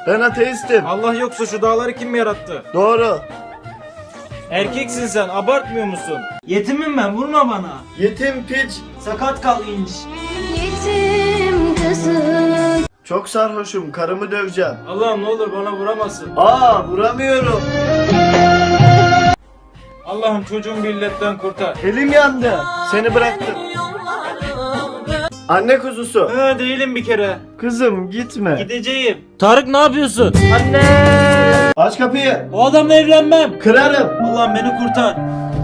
Ben ateistim. Allah yoksa şu dağları kim yarattı? Doğru. Erkeksin sen, abartmıyor musun? Yetimim ben, vurma bana. Yetim piç. Sakat kal inç. Yetim kızım. Çok sarhoşum. Karımı döveceğim. Allah'ım ne olur bana vuramasın. Vuramıyorum. Allah'ım çocuğumu bir illetten kurtar. Elim yandı. Seni bıraktım. Anne kuzusu. Değilim bir kere. Kızım gitme. Gideceğim. Tarık ne yapıyorsun? Anne! Aç kapıyı. O adamla evlenmem. Kırarım. Allah'ım beni kurtar.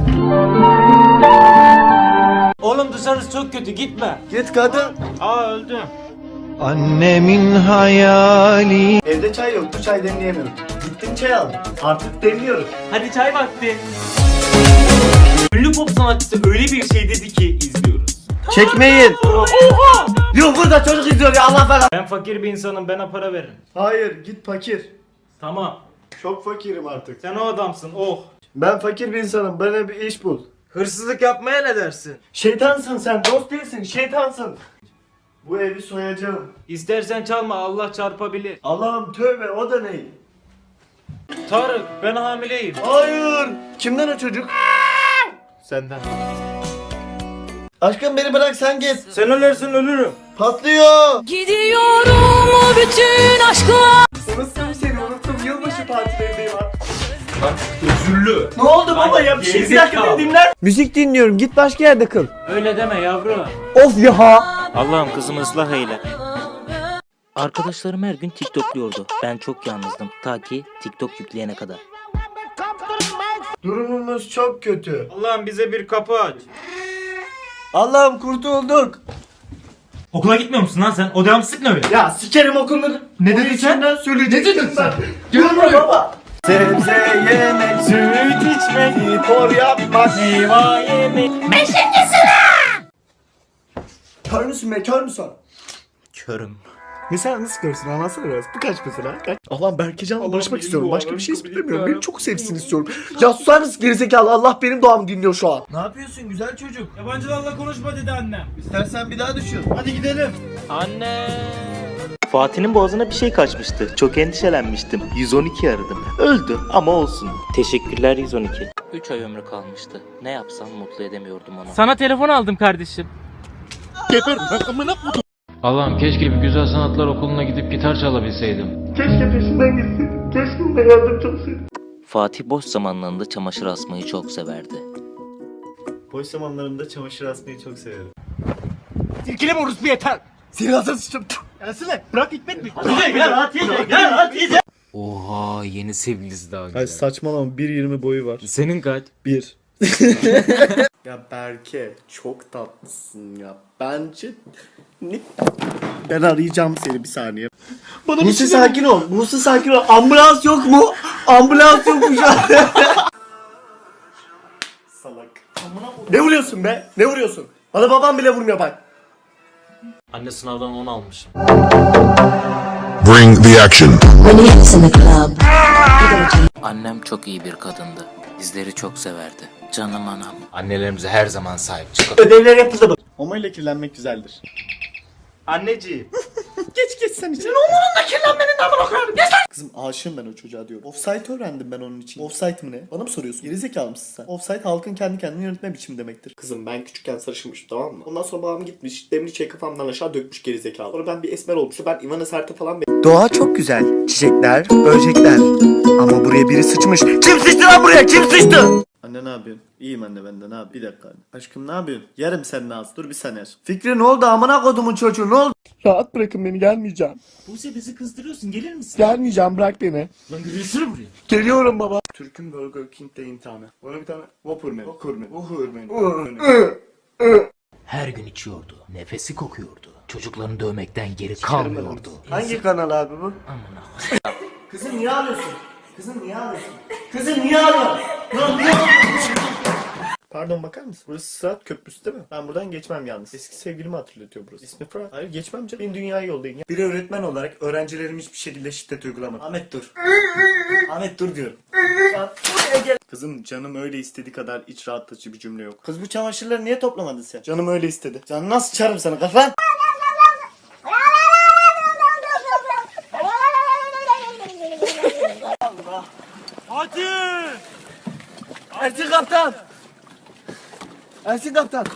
Oğlum dışarısı çok kötü, gitme. Git kadın. Öldüm. Annemin hayali. Evde çay yoktu. Çay demleyemiyorum. Gittim çay aldım. Artık demliyorum. Hadi çay vakti. Ünlü pop sanatçısı öyle bir şey dedi ki izliyoruz. Çekmeyin. Yok burada çocuk izliyor ya Allah falan. Ben fakir bir insanım, bana para verin. Hayır git fakir. Tamam. Çok fakirim artık. Sen o adamsın, oh. Ben fakir bir insanım. Bana bir iş bul. Hırsızlık yapmaya ne dersin? Şeytansın sen. Dost değilsin. Şeytansın. Bu evi soyacağım. İstersen çalma, Allah çarpabilir. Allah'ım tövbe o da ne? Tarık, ben hamileyim. Hayır. Kimden o çocuk? Senden. Aşkım beni bırak sen git. Sen ölürsen ölürüm. Patlıyor. Gidiyorum o bütün aşkla. Unuttum seni unuttum. Yılbaşı partilerindeyim artık. Üzüllü. Ne oldu baba ya? Bir şey bir dakika beni dinler. Müzik dinliyorum. Git başka yerde kıl. Öyle deme yavrum. Of ya. Allah'ım kızımı ıslah eyle. Arkadaşlarım her gün TikTokluyordu. Ben çok yalnızdım. Ta ki TikTok yükleyene kadar. Durumumuz çok kötü. Allah'ım bize bir kapı aç. Allah'ım kurtulduk. Okula gitmiyor musun lan sen? O devamsızlık ne öyle? Ya sikerim okulları. Ne dedin sen? Söyleyecektim ben. Gel buraya baba. Sebze yemek, süt içmek, spor yapmak, meyve yemek. Beşinci sıra. Kör müsün be? Kör müsün? Körüm. Mesela nasıl görsün anlatsana biraz. Bu kaç mesela? Kaç? Allah'ım Berkecan'la barışmak istiyorum. Başka bir şey istemiyorum. Beni çok sevsin istiyorum. Ya susar mısın gerizekalı? Allah benim doğamı dinliyor şu an. Ne yapıyorsun güzel çocuk? Yabancılarla konuşma dedi annem. İstersen bir daha düşün. Hadi gidelim. Anne. Fatih'in boğazına bir şey kaçmıştı. Çok endişelenmiştim. 112 aradım. Öldü ama olsun. Teşekkürler 112. 3 ay ömrü kalmıştı. Ne yapsam mutlu edemiyordum onu. Sana telefon aldım kardeşim. Allah'ım keşke bir güzel sanatlar okuluna gidip gitar çalabilseydim. Keşke peşinden gitsin. Keşke ona yardımcı olsaydım. Fatih boş zamanlarında çamaşır asmayı çok severdi. Boş zamanlarımda çamaşır asmayı çok severim. Silkeleme orospu yeter. Silahsız sıçtım. Gelsene. Bırak Hikmet mi? Gel. Oha yeni sevgilisi daha güzel. Ay saçmalama 1.20 boyu var. Senin kaç? 1. Ya Berke çok tatlısın ya. Bence ne? Ben arayacağım seni bir saniye. Buse sakin ol. Buse sakin ol. Ambulans yok mu? Ambulans yok mu şu an? Salak. Ne vuruyorsun be? Ne vuruyorsun? Bana babam bile vurmuyor bak. Anne sınavdan 10 almış. Bring the action. Annem çok iyi bir kadındı. Bizleri çok severdi. Canım anam. Annelerimize her zaman sahip çıkalım. Ödevler yapıldı mı? Homo ile kirlenmek güzeldir. Anneciğim. Geç sen için. Onunla kirlenmenin amına koyarım. Geç lan. Kızım aşığım ben o çocuğa diyorum. Offsite öğrendim ben onun için. Offsite mı ne? Bana mı soruyorsun? Gerizekalı mısın sen? Offsite halkın kendi kendini yönetme biçimi demektir. Kızım ben küçükken sarışınmışım tamam mı? Ondan sonra babam gitmiş demli çayı kafamdan aşağı dökmüş gerizekalı. Sonra ben bir esmer olmuşum. Ben Ivana Sert'e falan Doğa çok güzel. Çiçekler, böcekler. Ama buraya biri sıçmış. Kim sıçtı lan buraya? Kim sıçtı? Anne ne yapıyorsun? İyiyim anne ben de ne yap? Bir dakika anne. Aşkım ne yapıyorsun? Yerim senin ağzı. Dur bir saniye. Fikri ne oldu amına kodumun çocuğu ne oldu? Rahat bırakın beni gelmeyeceğim. Buse bizi kızdırıyorsun, gelir misin? Gelmeyeceğim bırak beni. Lan yürüyüşsene buraya. Geliyorum baba. Türk'ün Burger King'de imtihanı. Bana bir tane Whopper menü. Whopper menü. Her gün içiyordu. Nefesi kokuyordu. Çocuklarını dövmekten geri kalmıyordu. Hangi kanal abi bu? Kızım niye ağlıyorsun? Kızım niye ağlıyorsun? Kızım niye ağlıyorsun? Niye ağlıyorsun? Pardon bakar mısın? Burası Sırat Köprüsü değil mi? Ben buradan geçmem yalnız. Eski sevgilimi hatırlatıyor burası. İsmi Fırat. Hayır geçmem canım. Beni dünyaya yollayın ya. Bir öğretmen olarak öğrencilerim hiçbir şekilde şiddet uygulamadı. Ahmet dur. Ahmet dur diyorum. Kızım canım öyle istediği kadar iç rahatlatıcı bir cümle yok. Kız bu çamaşırları niye toplamadın sen? Canım öyle istedi. Canım nasıl çarım sana kafan? Ersin kaptan. Ersin kaptan.